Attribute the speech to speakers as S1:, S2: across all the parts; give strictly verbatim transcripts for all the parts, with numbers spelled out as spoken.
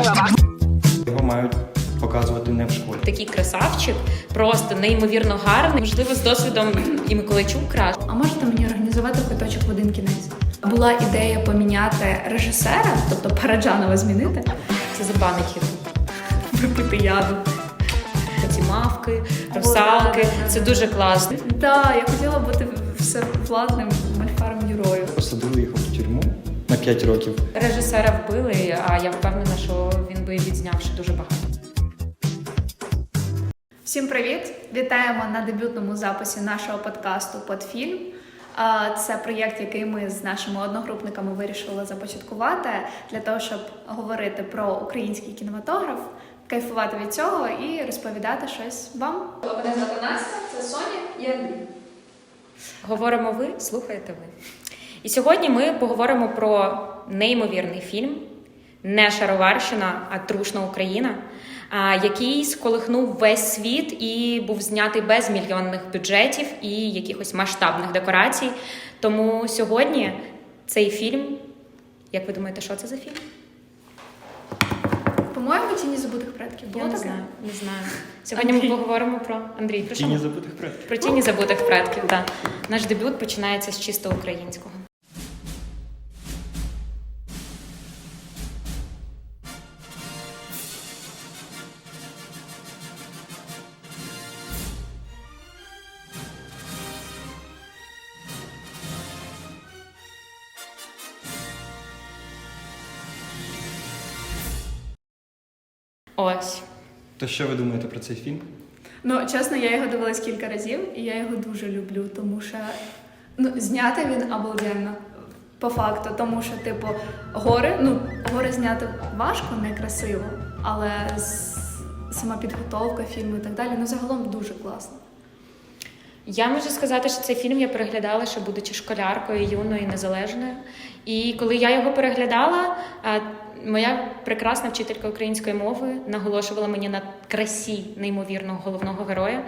S1: Його мають показувати не в школі.
S2: Такий красавчик, просто неймовірно гарний. Можливо, з досвідом і Миколайчук краще.
S3: А можете мені організувати квиточок в один кінець? Була ідея поміняти режисера, тобто Параджанова змінити.
S2: Це забанить YouTube.
S3: Випити яду.
S2: Ці мавки, русалки. Це дуже класно.
S3: Так, я хотіла бути всевладним мальфаром героїв.
S1: Посадили його в тюрму на п'ять років.
S2: Режисера вбили, а я впевнена, що він би відзняв ще дуже багато.
S3: Всім привіт! Вітаємо на дебютному записі нашого подкасту «Подфільм». Це проєкт, який ми з нашими одногрупниками вирішили започаткувати для того, щоб говорити про український кінематограф, кайфувати від цього і розповідати щось вам. Мене звати Настя, це Соня і Андрій.
S2: Говоримо ви, слухаєте ви. І сьогодні ми поговоримо про неймовірний фільм «Не Шароварщина, а трушна Україна», який сколихнув весь світ і був знятий без мільйонних бюджетів і якихось масштабних декорацій. Тому сьогодні цей фільм, як ви думаєте, що це за фільм?
S3: По-моєму, «Тіні забутих предків». Було
S2: Я не
S3: таке?
S2: знаю, не знаю. Сьогодні ми поговоримо про Андрій. Про що
S1: Тіні
S2: ми?
S1: забутих предків.
S2: Про «Тіні забутих предків», так. Наш дебют починається з чисто українського. Ось.
S1: То що ви думаєте про цей фільм?
S3: Ну, чесно, я його дивилась кілька разів, і я його дуже люблю, тому що ну, зняти він обалденно, по факту, тому що, типу, гори, ну, гори зняти важко, некрасиво, але с- сама підготовка фільму і так далі, ну, загалом дуже класно.
S2: Я можу сказати, що цей фільм я переглядала, ще будучи школяркою, юною і незалежною. І коли я його переглядала, моя прекрасна вчителька української мови наголошувала мені на красі неймовірного головного героя.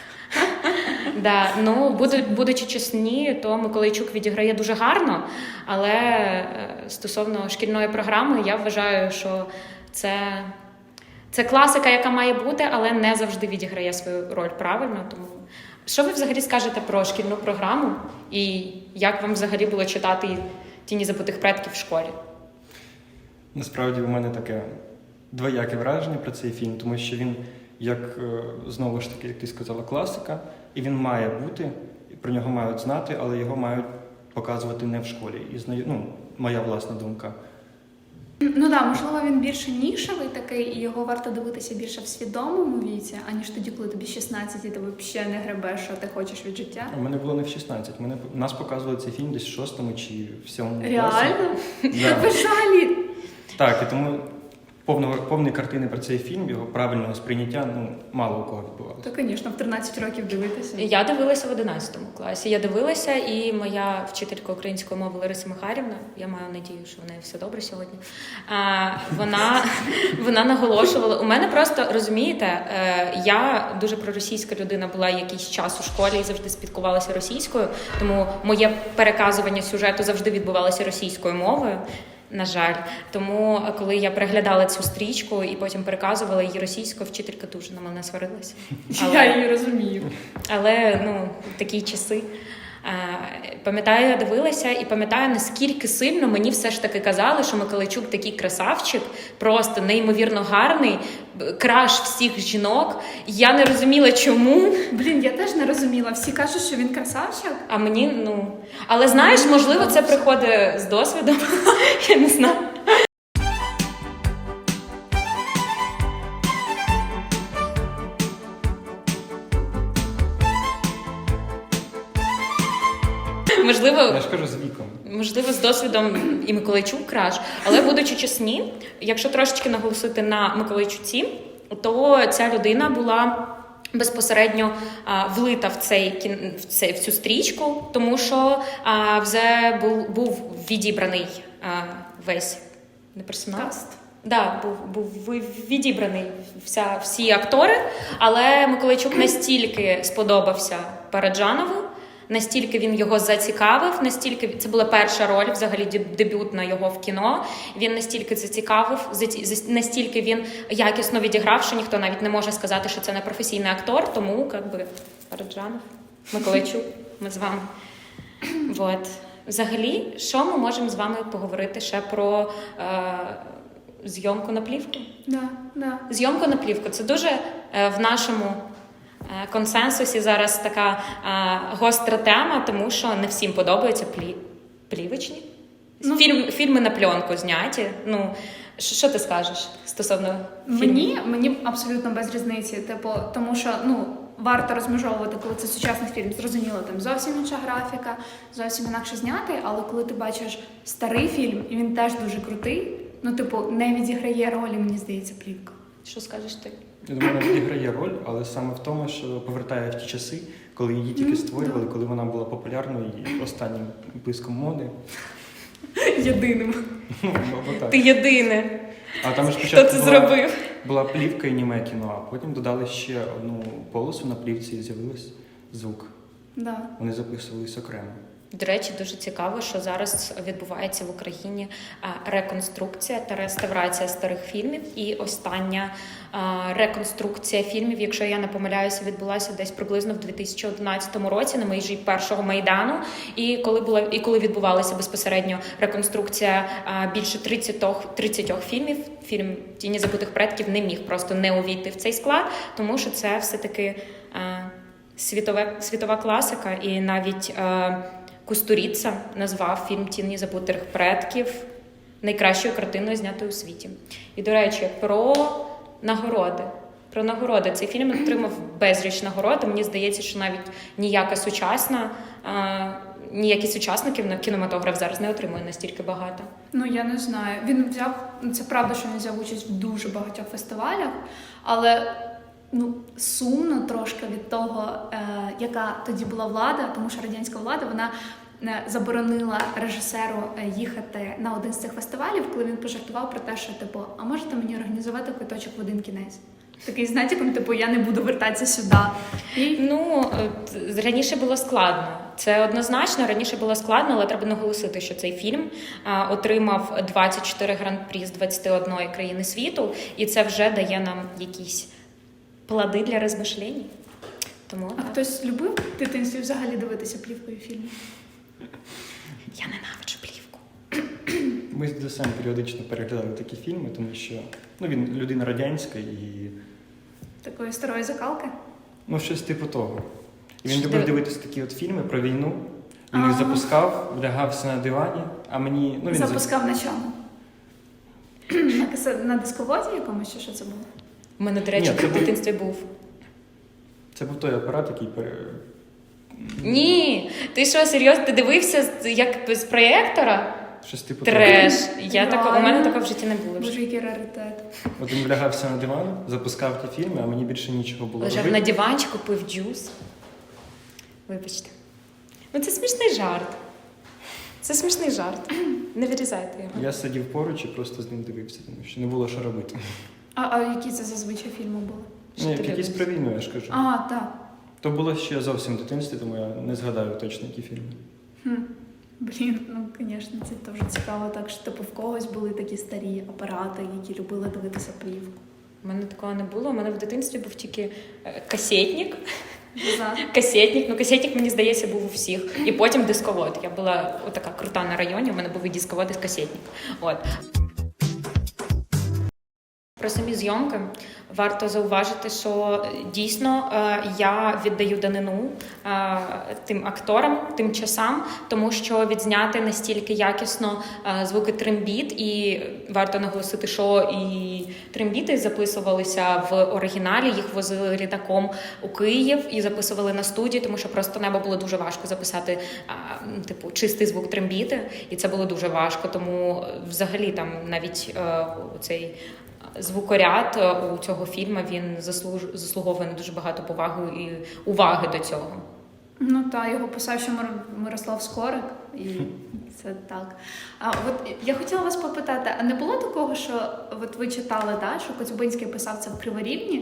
S2: Да, ну, будучи чесні, то Миколайчук відіграє дуже гарно, але стосовно шкільної програми, я вважаю, що це, це класика, яка має бути, але не завжди відіграє свою роль правильно. Тому що ви взагалі скажете про шкільну програму і як вам взагалі було читати «Тіні забутих предків» в школі?
S1: Насправді у мене таке двояке враження про цей фільм, тому що він, як знову ж таки, як ти сказала, класика, і він має бути, і про нього мають знати, але його мають показувати не в школі. І знаю, ну, моя власна думка.
S3: Ну так, можливо, він більше нішевий такий, і його варто дивитися більше в свідомому віці, аніж тоді, коли тобі шістнадцять, і ти взагалі не гребеш, що ти хочеш від життя.
S1: У мене було не в шістнадцять, мене, нас показували цей фільм десь в шостому чи в сьомому класі.
S3: Реально?
S1: Да.
S3: Ви взагалі?
S1: Так, і тому повного, повної картини про цей фільм, його правильного сприйняття, ну, мало у кого відбувалося.
S3: То, звісно, в тринадцять років дивитися.
S2: Я дивилася в одинадцятому класі. Я дивилася, і моя вчителька української мови Лариса Михайлівна, я маю надію, що в неї все добре сьогодні, а, вона, вона наголошувала. У мене просто, розумієте, я дуже проросійська людина була якийсь час у школі і завжди спілкувалася російською, тому моє переказування сюжету завжди відбувалося російською мовою. На жаль. Тому, коли я переглядала цю стрічку і потім переказувала її російською, вчителька дуже на мене сварилася. Але,
S3: Я її розумію.
S2: але ну, такі часи. Пам'ятаю, я дивилася і пам'ятаю, наскільки сильно мені все ж таки казали, що Миколайчук такий красавчик, просто неймовірно гарний, краш всіх жінок. Я не розуміла, чому.
S3: Блін, я теж не розуміла. Всі кажуть, що він красавчик.
S2: А мені, ну... Але знаєш, можливо, це приходить з досвідом. Я не знаю. Можливо,
S1: Я ж кажу, з віком.
S2: можливо, з досвідом і Миколайчук краш. Але, будучи чесні, якщо трошечки наголосити на Миколайчуці, то ця людина була безпосередньо а, влита в, цей, в, цей, в цю стрічку, тому що а, вже був, був відібраний а, весь не персонал.
S3: Каст.
S2: Да, був, був відібраний вся, всі актори, але Миколайчук настільки сподобався Параджанову, Настільки він його зацікавив, настільки це була перша роль, взагалі деб- дебютна його в кіно. Він настільки зацікавив, заці- зас- настільки він якісно відіграв, що ніхто навіть не може сказати, що це не професійний актор. Тому як би Параджанов, Миколайчук, ми з вами. Вот. Взагалі, що ми можемо з вами поговорити ще про е, зйомку на плівку?
S3: Да, да.
S2: Зйомку на плівку це дуже е, в нашому е, консенсусі зараз така е, гостра тема, тому що не всім подобаються плі... плівочні.
S3: Ну,
S2: Фільм, фільми на пленку зняті. Ну, що, що ти скажеш стосовно фільмів?
S3: Мені, мені абсолютно без різниці, типу, тому що ну варто розмежовувати, коли це сучасний фільм. Зрозуміло, там зовсім інша графіка, зовсім інакше знятий, але коли ти бачиш старий фільм, і він теж дуже крутий, ну типу, не відіграє ролі, мені здається, плівка.
S2: Що скажеш ти?
S1: Я думаю, вона відіграє роль, але саме в тому, що повертає в ті часи, коли її тільки
S3: Мгм,
S1: створювали,
S3: да.
S1: коли вона була популярною і останнім блиском моди.
S3: Єдиним.
S1: Ну, або так.
S2: Ти єдине,
S1: А там ж
S2: хто
S1: спочатку
S2: це
S1: була,
S2: зробив.
S1: була плівка і німе кіно, а потім додали ще одну полосу на плівці і з'явився звук.
S3: Да.
S1: Вони записувались окремо.
S2: До речі, дуже цікаво, що зараз відбувається в Україні а, реконструкція та реставрація старих фільмів. І остання а, реконструкція фільмів, якщо я не помиляюся, відбулася десь приблизно в дві тисячі одинадцятому році на межі першого Майдану. І коли була і коли відбувалася безпосередньо реконструкція а, більше тридцять, тридцять фільмів, фільм «Тіні забутих предків» не міг просто не увійти в цей склад, тому що це все-таки а, світове, світова класика, і навіть а, Кустуріца назвав фільм «Тіні забутих предків» найкращою картиною, знятою у світі. І, до речі, про нагороди. Про нагороди. Цей фільм отримав безліч нагород. Мені здається, що навіть ніяка сучасна, а, ніякий сучасників на кінематограф зараз не отримує настільки багато.
S3: Ну я не знаю. Він взяв, це правда, що він взяв участь в дуже багатьох фестивалях, але ну сумно трошки від того, е, яка тоді була влада, тому що радянська влада вона е, заборонила режисеру е, їхати на один з цих фестивалів, коли він пожартував про те, що типу, а можете мені організувати квиточок в один кінець? Такий з натяком, типу, я не буду вертатися сюди. І
S2: Ну, от, раніше було складно. Це однозначно, раніше було складно, але треба наголосити, що цей фільм а, отримав двадцять чотири гран-прі з двадцяти однієї країни світу, і це вже дає нам якісь плоди для розмишлень. Тому
S3: а
S2: так.
S3: хтось любив в дитинстві взагалі дивитися плівкою фільмів?
S2: Я ненавиджу плівку.
S1: Ми з Десем періодично переглядали такі фільми, тому що ну, він людина радянська і
S3: Такої старої закалки?
S1: ну, щось типу того. І він
S2: Що
S1: любив
S2: ти-
S1: дивитися такі от фільми про війну. Він їх
S3: Ага.
S1: запускав, лягався на дивані, а мені. Ну, він за-
S3: Запускав на чому? на, касе- на дисководі якомусь, чи що це було?
S2: У мене, до речі,
S1: Ні, це
S2: в
S1: був-
S2: дитинстві був.
S1: Це був той апарат, який пере...
S2: Ні, ти що, серйозно, ти дивився з- як з проєктора?
S1: Щось типу
S2: Треш. Я тако, у мене
S3: Реально?
S2: такого в житті не було. вже.
S3: Боже, який раритет.
S1: того. От він лягався на диван, запускав ті фільми, а мені більше нічого було
S2: Лежав
S1: робити.
S2: на диванчику, пив джус. Вибачте. Ну це смішний жарт. Це смішний жарт. Не вирізайте його.
S1: Я сидів поруч і просто з ним дивився, тому що не було що робити.
S3: А, а які це зазвичай фільми були?
S2: Що
S1: Ні,
S2: ти
S1: якісь
S2: дивився?
S1: про війну, я ж кажу.
S3: А, так.
S1: То було ще зовсім в дитинстві, тому я не згадаю точно, які фільми.
S3: Хм. Блін, ну, звісно, це дуже цікаво, так що типу в когось були такі старі апарати, які любили дивитися плівку.
S2: У мене такого не було. У мене в дитинстві був тільки е, касетник.
S3: За.
S2: Касетник, ну касетник, мені здається, був у всіх. І потім дисковод. Я була отака крута на районі, у мене був і дисковод, і касетник. От. Про самі зйомки варто зауважити, що дійсно е, я віддаю данину е, тим акторам, тим часам, тому що відзняти настільки якісно е, звуки трембіт, і варто наголосити, що і трембіти записувалися в оригіналі, їх возили літаком у Київ і записували на студії, тому що просто небо було дуже важко записати е, типу чистий звук трембіти, і це було дуже важко, тому взагалі там навіть е, цей звукоряд у цього фільму, він заслуж... заслуговує на дуже багато поваги і уваги до цього.
S3: Ну так, його писав ще Мир... Мирослав Скорик, і це так. А от я хотіла вас попитати, а не було такого, що от ви читали, да, що Коцюбинський писав це в Криворівні,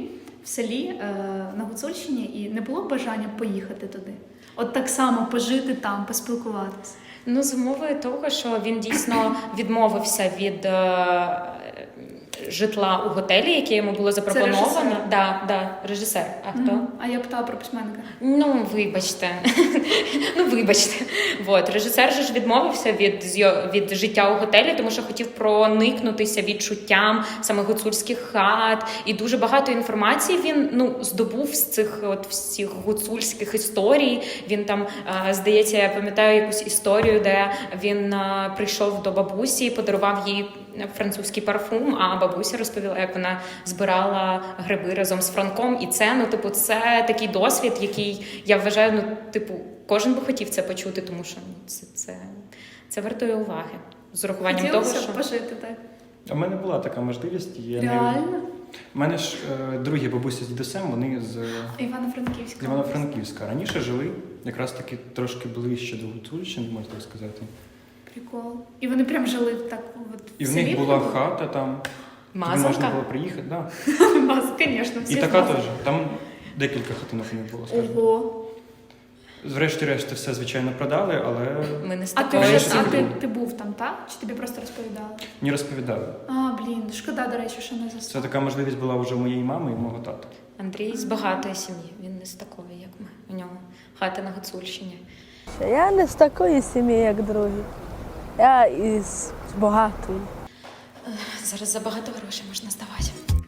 S3: в селі е, на Гуцульщині і не було бажання поїхати туди? От так само пожити там, поспілкуватися?
S2: Ну, з умови того, що він дійсно відмовився від е, житла у готелі, яке йому було запропоновано.
S3: режисер?
S2: Да, да, режисер. А хто?
S3: Мгм. А я питала про письменника.
S2: Ну, вибачте. ну, вибачте. Вот. Режисер же ж відмовився від, зйо- від життя у готелі, тому що хотів проникнутися відчуттям саме гуцульських хат. І дуже багато інформації він ну, здобув з цих от всіх гуцульських історій. Він там, е, здається, я пам'ятаю якусь історію, де він е, прийшов до бабусі і подарував їй французький парфум, а бабуся розповіла, як вона збирала гриби разом з Франком. І це, ну, типу, це такий досвід, який, я вважаю, ну, типу, кожен би хотів це почути, тому що ну, це, це, це вартує уваги. З урахуванням того,
S3: Хотілося
S2: що...
S3: б пожити так.
S1: А в мене була така можливість. і Я не...
S3: Реально?
S1: У мене ж е, другі бабусі з дідусем, вони з
S3: Івано-Франківська.
S1: з Івано-Франківська. Раніше жили якраз таки трошки ближче до Гуцульщини, можна так сказати.
S3: Прикол. І вони прям жили так от
S1: І в
S3: селі
S1: них була
S3: було?
S1: хата там, туди
S2: Мазанка?
S1: можна було приїхати. Да.
S3: Маз, звісно, всі
S1: І така
S3: мазали.
S1: теж. Там декілька хатинок у них було, скажімо.
S3: Ого.
S1: Врешті-решт все, звичайно, продали, але
S2: Ми не з
S3: А ти
S2: такої
S3: вже
S1: Раніше
S3: а
S1: це
S3: ти,
S1: було.
S3: ти був там, так? Чи тобі просто розповідали?
S1: не розповідали.
S3: А, блін, шкода, до речі, що не
S1: Це
S3: застав.
S1: така можливість була вже у моєї мами і мого тата.
S2: Андрій з багатої сім'ї, він не з такої, як ми. У нього хата на Гуцульщині.
S4: Я не з такої сім'ї, як другі. Я із багатої.
S2: Зараз за багато грошей можна здавати.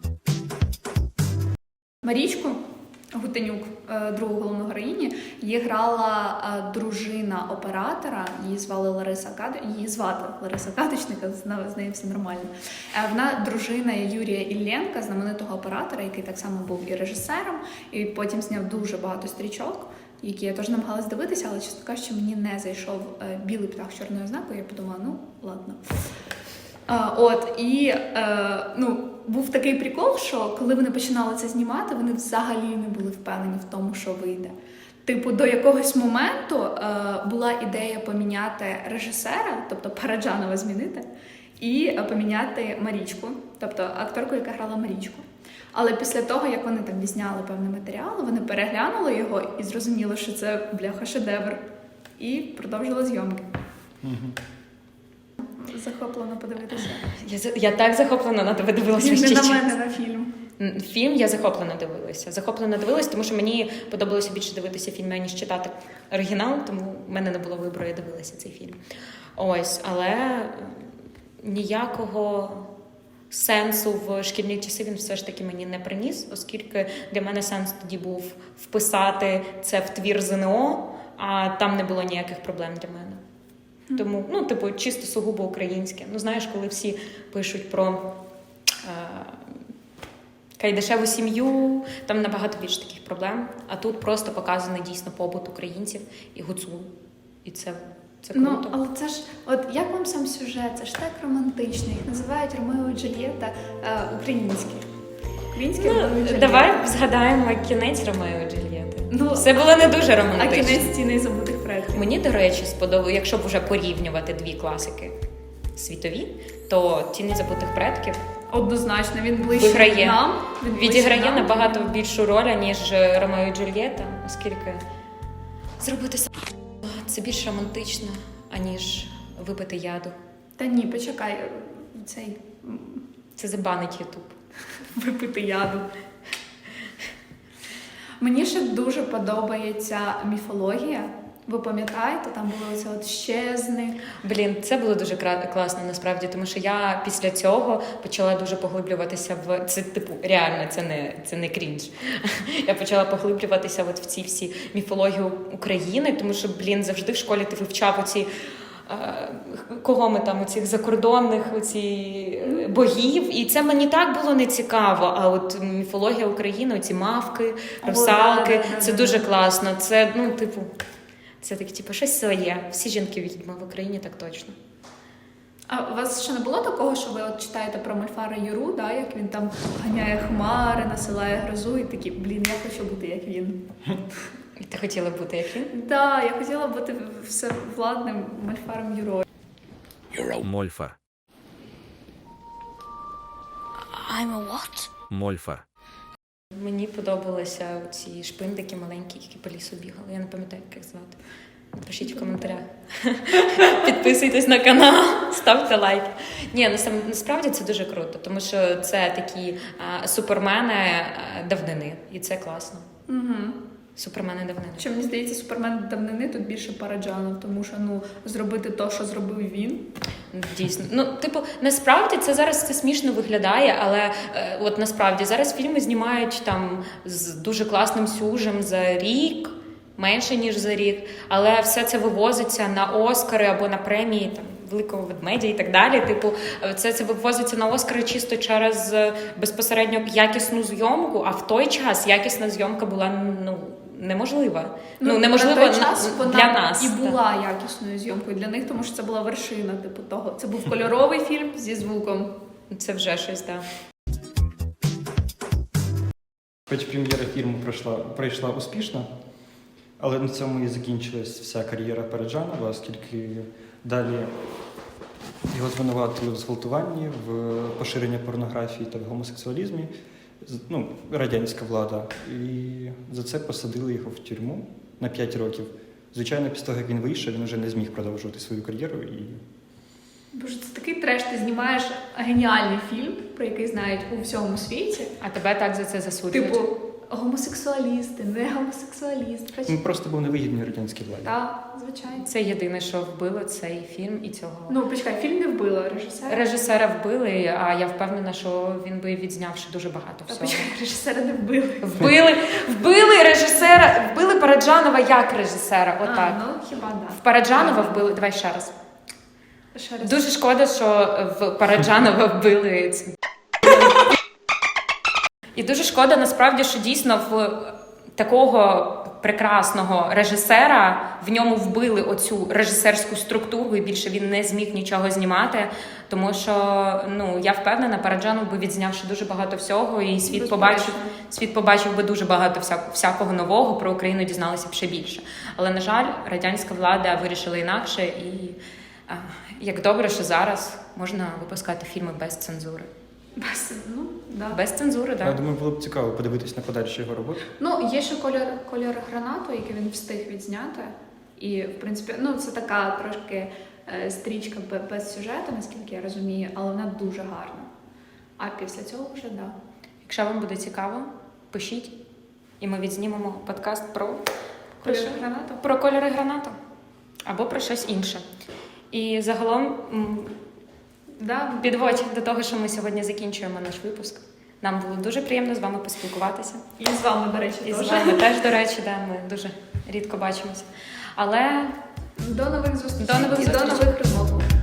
S3: Марічку Гутенюк, е, другу головну героїні, її грала е, дружина оператора, її звали Лариса Кад... її звати Лариса Кадочника, з нею- з нею все нормально. Е, Вона дружина Юрія Іллєнка, знаменитого оператора, який так само був і режисером, і потім зняв дуже багато стрічок, які я теж намагалась дивитися, але, чесно кажучи, мені не зайшов е, білий птах з чорною ознакою, я подумала, ну, ладно. А, от, і е, ну, був такий прикол, що коли вони починали це знімати, вони взагалі не були впевнені в тому, що вийде. Типу, до якогось моменту е, була ідея поміняти режисера, тобто Параджанова змінити, і е, поміняти Марічку, тобто акторку, яка грала Марічку. Але після того, як вони там відзняли певний матеріал, вони переглянули його і зрозуміли, що це, бляха, шедевр. І продовжили зйомки. Захоплено подивитися.
S2: Я, за- я так захоплена на тебе дивилася
S3: Не
S2: весь
S3: на
S2: час.
S3: мене, на фільм.
S2: М, Фільм я захоплено дивилася. Захоплено дивилася, тому що мені подобалося більше дивитися фільми, ніж читати оригінал, тому в мене не було вибору, я дивилася цей фільм. Ось, але е, ніякого сенсу в шкільні часи він все ж таки мені не приніс, оскільки для мене сенс тоді був вписати це в твір ЗНО, а там не було ніяких проблем для мене. Тому, ну, типу, чисто сугубо українське. Ну, знаєш, коли всі пишуть про е, кайдашеву сім'ю, там набагато більше таких проблем. А тут просто показаний дійсно побут українців і гуцул. І це, це круто.
S3: Ну, але це ж, от як вам сам сюжет? Це ж так романтично. Їх називають Ромео і Джульєта е, українські. Українські Ромео і
S2: Ну,
S3: Джульєта.
S2: давай згадаємо кінець Ромео і Джульєти.
S3: Ну,
S2: Все було не дуже
S3: А
S2: романтично.
S3: кінець «Тіни забутих предків».
S2: Мені, до речі, сподобалося, якщо б вже порівнювати дві класики світові, то «Тіні забутих предків»
S3: Однозначно, він ближче
S2: Виграє.
S3: нам. Він ближче
S2: відіграє
S3: нам.
S2: набагато більшу роль, ніж Ромео і Джульєта, оскільки зробити сам це більш романтично, аніж випити яду.
S3: Та ні, почекай, цей м,
S2: Це забанить Ютуб.
S3: випити яду. Мені ще дуже подобається міфологія. Ви пам'ятаєте, там було оце от щезник.
S2: Блін, це було дуже кра- класно насправді, тому що я після цього почала дуже поглиблюватися в це, типу, реально, це не це не крінж. Я почала поглиблюватися от в ці всі міфології України, тому що, блін, завжди в школі ти вивчав оці. е, Кого ми там, оцих закордонних оці е, богів, і це мені так було не цікаво. А от міфологія України, оці мавки,
S3: О,
S2: русалки,
S3: да, да, да,
S2: це
S3: да.
S2: дуже класно. Це, ну, типу, це таке, типу, щось своє. Всі жінки відьми в Україні так точно.
S3: А у вас ще не було такого, що ви от читаєте про Мольфара Юру, да, як він там ганяє хмари, насилає грозу, і такі, блін, я хочу бути як він.
S2: І ти хотіла бути як він?
S3: Да, я хотіла бути всевладним Мольфаром Юрою.
S5: Мольфар.
S4: I'm a what?
S5: Мольфар.
S2: Мені подобалися ці шпиндики маленькі, які по лісу бігали. Я не пам'ятаю, як їх звати. Напишіть в коментарях. Підписуйтесь на канал, ставте лайки. Ні, насам- насправді це дуже круто, тому що це такі а, супермени а, давнини, і це класно.
S3: Угу.
S2: Супермени давнини.
S3: Що мені здається, супермен давнини тут більше Параджанов, тому що ну зробити те, що зробив він.
S2: Дійсно, ну типу, насправді це зараз це смішно виглядає, але е, от насправді зараз фільми знімають там з дуже класним сюжем за рік, менше ніж за рік, але все це вивозиться на Оскари або на премії там великого ведмедя і так далі. Типу, це це вивозиться на Оскари чисто через е, безпосередньо якісну зйомку. А в той час якісна зйомка була ну неможлива. Ну, неможливо
S3: на той час
S2: на-
S3: вона
S2: для нас
S3: і
S2: так.
S3: була якісною зйомкою для них, тому що це була вершина, типу того. Це був кольоровий фільм зі звуком.
S2: Це вже щось, так.
S1: Хоч прем'єра фільму пройшла, пройшла успішно, але на цьому і закінчилась вся кар'єра Параджанова, оскільки далі його звинуватили в зґвалтуванні, в поширенні порнографії та в гомосексуалізмі, з- ну, радянська влада. І за це посадили його в тюрму на п'ять років. Звичайно, після того, як він вийшов, він вже не зміг продовжувати свою кар'єру. І
S3: Боже, це такий треш. Ти знімаєш геніальний фільм, про який знають у всьому світі.
S2: А тебе так за це засуджують?
S3: Типу, гомосексуалісти, не гомосексуаліст.
S1: він просто був невигідний радянській владі.
S3: Так, звичайно.
S2: Це єдине, що вбило цей фільм і цього.
S3: Ну, почекай, фільм не вбило режисера.
S2: Режисера вбили, а я впевнена, що він би відзнявши дуже багато
S3: Та
S2: всього.
S3: почекай, режисера не вбили.
S2: Вбили, вбили режисера, вбили Параджанова як режисера, отак.
S3: А, ну, хіба да.
S2: В Параджанова вбили, давай ще раз.
S3: Ще раз.
S2: Дуже шкода, що в Параджанова вбили. ц- І дуже шкода, насправді, що дійсно в такого прекрасного режисера в ньому вбили оцю режисерську структуру, і більше він не зміг нічого знімати, тому що ну я впевнена, Параджанов би відзнявши дуже багато всього, і світ
S3: Безперечно.
S2: побачив, світ побачив би дуже багато вся- всякого нового, про Україну дізналися б ще більше. Але на жаль, радянська влада вирішила інакше, і а, як добре, що зараз можна випускати фільми без цензури.
S3: Без, ну, да.
S2: Без цензури,
S1: Я
S2: так.
S1: думаю, було б цікаво подивитись на подальші його роботи.
S3: Ну, є ще колір, колір гранату, який він встиг відзняти. І, в принципі, ну, це така трошки е, стрічка бе- без сюжету, наскільки я розумію, але вона дуже гарна. А після цього вже, да.
S2: Якщо вам буде цікаво, пишіть, і ми відзнімемо подкаст про, про,
S3: Колір
S2: що?
S3: гранату.
S2: Про кольори гранату або про щось інше. І загалом м,
S3: Да.
S2: підводь до того, що ми сьогодні закінчуємо наш випуск. Нам було дуже приємно з вами поспілкуватися.
S3: І з вами, до речі,
S2: І з
S3: теж.
S2: вами теж, до речі, да, ми дуже рідко бачимося. Але
S3: До нових зустрічей.
S2: До нових
S3: і до
S2: зустрічей.
S3: нових розмов.